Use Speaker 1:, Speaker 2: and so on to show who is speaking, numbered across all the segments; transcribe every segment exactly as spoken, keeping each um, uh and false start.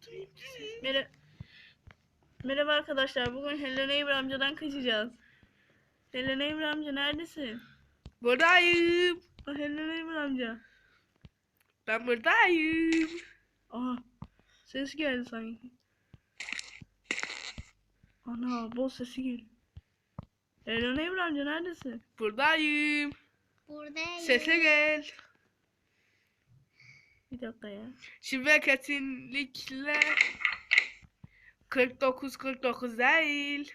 Speaker 1: Merhaba. Merhaba arkadaşlar. Bugün Hello Neighbor amcadan kaçacağız. Hello Neighbor amca neredesin?
Speaker 2: Buradayım.
Speaker 1: Ah, Hello Neighbor amca.
Speaker 2: Ben buradayım.
Speaker 1: Aha. Ses geldi sanki. Ana, boz sesi geliyor. Hello Neighbor amca neredesin?
Speaker 2: Buradayım.
Speaker 3: Buradayım.
Speaker 2: Sese gel.
Speaker 1: Bir dakika ya.
Speaker 2: Şimdi kesinlikle kırk dokuz kırk dokuz değil.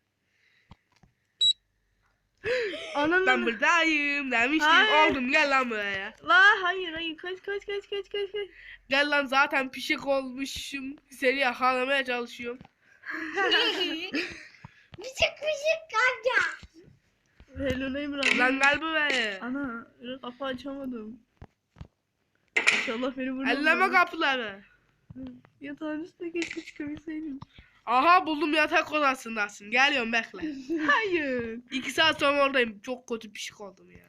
Speaker 1: Ananı.
Speaker 2: Ben buradayım demiştim.
Speaker 1: Hayır.
Speaker 2: Oldum, gel lan buraya.
Speaker 1: La hayır hayır kaç kaç kaç kaç kaç kaç.
Speaker 2: Gel lan, zaten pişik olmuşum. Seni yakalamaya çalışıyorum.
Speaker 3: Bıçık bıçık amca.
Speaker 1: Hello Neighbor amca.
Speaker 2: Lan gel buraya.
Speaker 1: Ana kapı açamadım. İnşallah beni vurmaz.
Speaker 2: Elleme kapıları.
Speaker 1: Yatağın üstüne keşke çıkabilseydim.
Speaker 2: Aha, buldum, yatak odasındasın. Geliyorum, bekle.
Speaker 1: Hayır.
Speaker 2: İki saat sonra oradayım. Çok kötü pişik oldum ya.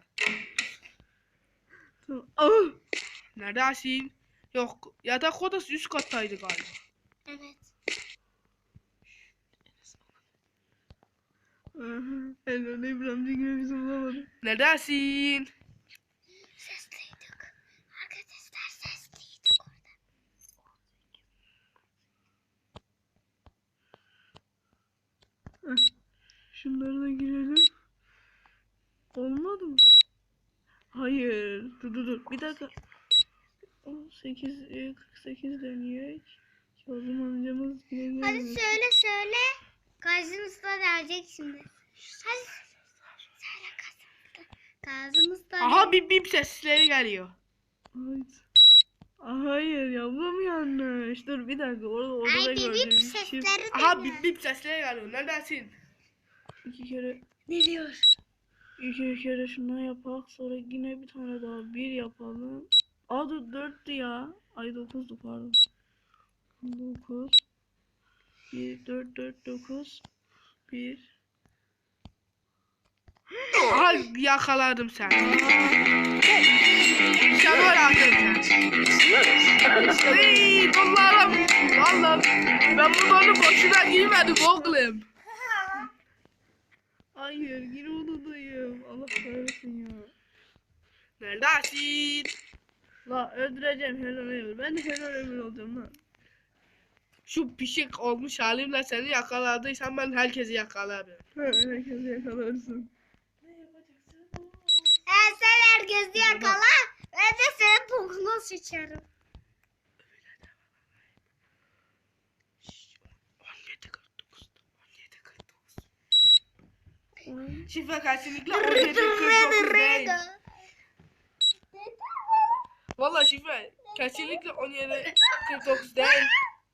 Speaker 1: Tamam. Ah!
Speaker 2: Neredesin? Yok, yatak odası üst kattaydı galiba.
Speaker 3: Evet.
Speaker 1: Aha, Hello Neighbor amca gibi bizi bulamadı.
Speaker 2: Neredesin?
Speaker 3: Sesliydik. Arkadaşlar sesliydik orada.
Speaker 1: Heh. Şunları da girelim. Olmadı mı? Hayır. Dur dur dur. Bir dakika. sekiz kırk sekiz dönüyor. Kazım amcamız yine
Speaker 3: Hadi
Speaker 1: gelmiyor.
Speaker 3: söyle söyle. Karşımızda gelecek şimdi. Hadi. Söyle karşımızda. Karşımızda.
Speaker 2: Aha, bip bip sesleri geliyor.
Speaker 1: Hayır. Aa, hayır yavrum yanlış. Dur bir dakika. Orada orada da
Speaker 3: Ay bip
Speaker 1: gördüm.
Speaker 3: bip
Speaker 1: Çift
Speaker 3: sesleri
Speaker 2: Aha,
Speaker 3: de.
Speaker 2: bip bip sesleri geliyor. Neredesin?
Speaker 1: iki kere
Speaker 3: Ne diyor?
Speaker 1: iki kere şundan yapak. Sonra yine bir tane daha bir yapalım. Aa dur dörttü ya. Ay dokuzdu pardon. dokuz. bir dört dört dokuz. bir.
Speaker 2: Aha, yakaladım seni. İşte böyle attım seni. Iiii, donlarım. Vallahi ben bu donu boşuna giymedim oğlum.
Speaker 1: Hayır yine odadayım. Allah kahretsin ya.
Speaker 2: Neredesin?
Speaker 1: La öldüreceğim Hello Neighbor. Ben de Hello Neighbor olacağım lan.
Speaker 2: Şu pişik olmuş halimle seni yakaladıysam ben herkesi yakalarım.
Speaker 1: Ha, herkesi yakalarsın.
Speaker 3: Ee, sen herkesi yakala. Ben de senin bokunu sıçarım.
Speaker 2: on yedi kırk dokuz. on yedi kırk dokuz. Şifre kesinlikle on yedi kırk dokuz değil. Valla şifre kesinlikle on yedi kırk dokuz değil.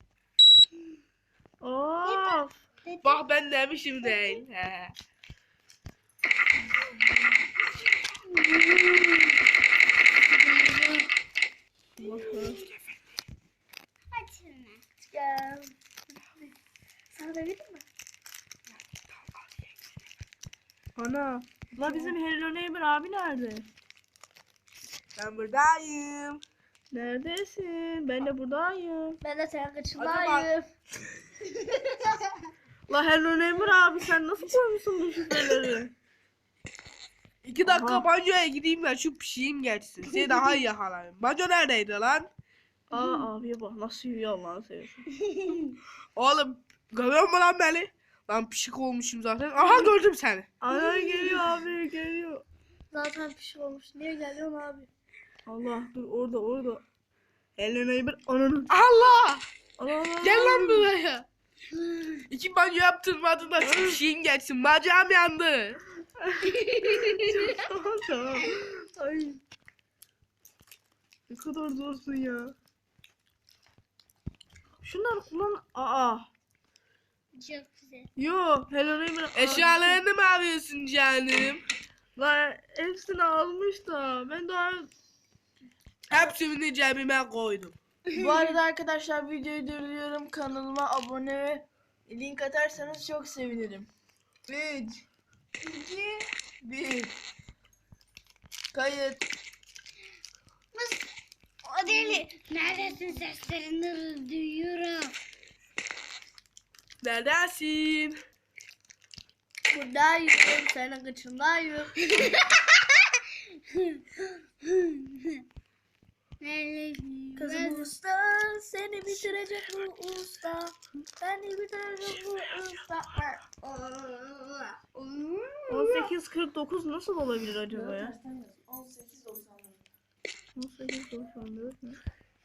Speaker 1: Of.
Speaker 2: Bak ben demişim değil. He.
Speaker 3: Açın. Gel. Sana da vereyim mi?
Speaker 1: Ana. La bizim Hello Neighbor abi nerede?
Speaker 2: Ben buradayım.
Speaker 1: Neredesin? Ben de buradayım.
Speaker 3: Ben de senin
Speaker 2: Hadi
Speaker 3: kıçındayım.
Speaker 1: La Hello Neighbor abi sen nasıl koymuşsun bu şifreleri?
Speaker 2: İki dakika
Speaker 1: Aha.
Speaker 2: banyoya gideyim ben, şu pişeyim geçsin. Seni daha iyi yakalarım. Banyo neredeydi lan?
Speaker 1: Aa abiye bak nasıl yürüyor Allah'ını seversen.
Speaker 2: Oğlum görüyor musun lan beni? Lan pişik olmuşum zaten. Aha, gördüm seni.
Speaker 1: Ana geliyor abi geliyor.
Speaker 3: Zaten bir şey olmuş. Niye geliyorsun abi?
Speaker 1: Allah dur orada orada. Hello Neighbor ananı.
Speaker 2: Allah!
Speaker 1: Allah Allah.
Speaker 2: Gel lan buraya. İki banyo yaptırmadın da şu pişeyim geçsin. Bacağım yandı.
Speaker 1: Tamam tamam. Ay. Ne kadar zorsun ya. Şunları kullan. Aa.
Speaker 3: Çok güzel.
Speaker 1: Yo Hello Neighbor.
Speaker 2: Eşyalarını mı arıyorsun canım?
Speaker 1: La hepsini almış da ben daha.
Speaker 2: Hepsini cebime koydum.
Speaker 4: Bu arada arkadaşlar videoyu durduruyorum. Kanalıma abone ve link atarsanız çok sevinirim. üç, iki, bir. Kayıt.
Speaker 3: O deli. Neredesin, seslerini duyuyorum.
Speaker 2: Neredesin?
Speaker 3: Buradayım. Senin kıçındayım.
Speaker 4: Kızım usta seni bitirecek bu usta. Seni bitirecek bu usta.
Speaker 1: on sekiz kırk dokuz nasıl olabilir acaba ya?
Speaker 4: on sekiz doksan.
Speaker 1: on sekiz doksan dört mü?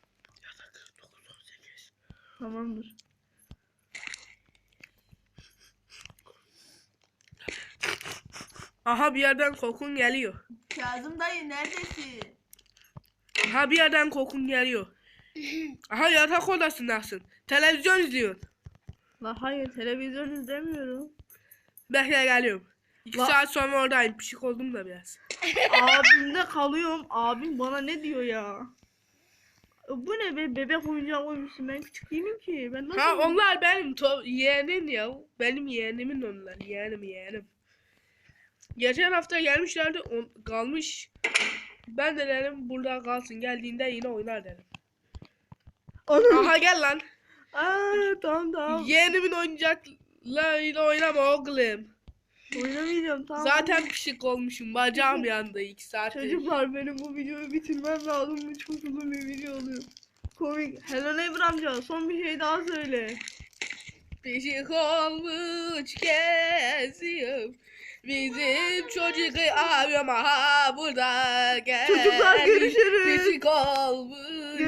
Speaker 1: Tamamdır.
Speaker 2: Aha bir yerden kokun geliyor.
Speaker 4: Kazım dayı neredesin?
Speaker 2: Aha bir yerden kokun geliyor. Aha yatak odasındasın. Televizyon izliyorsun.
Speaker 1: La hayır televizyon izlemiyorum.
Speaker 2: Bekle geliyorum. İki
Speaker 1: La-
Speaker 2: saat sonra oradayım. Pişik oldum da biraz.
Speaker 1: Abimde kalıyorum. Abim bana ne diyor ya? Bu ne be, bebek oyuncağı koymuşsun, ben küçük değilim ki. Ben nasıl
Speaker 2: Ha onlar benim to- yeğenim ya. Benim yeğenimin onlar. Yeğenim yeğenim. Geçen hafta gelmişlerdi. On, kalmış. Ben de dedim burada kalsın. Geldiğinde yine oynar dedim.
Speaker 1: Anam.
Speaker 2: Aha gel lan.
Speaker 1: Aa, tamam tamam.
Speaker 2: Yeğenimin oyuncaklarıyla oynama oğlum.
Speaker 1: Oynamayacağım tamam.
Speaker 2: Zaten pişik olmuşum. Bacağım yandı iki saattir.
Speaker 1: Çocuklar benim bu videoyu bitirmem lazım. Bu çok uzun bir video oluyor. Komik. Hello Neighbor amca son bir şey daha söyle.
Speaker 2: Pişik olmuş geziyorum. Bizim çocuk abim aha burada gel.
Speaker 1: Çocuklar görüşürüz.
Speaker 2: Pişik olmuş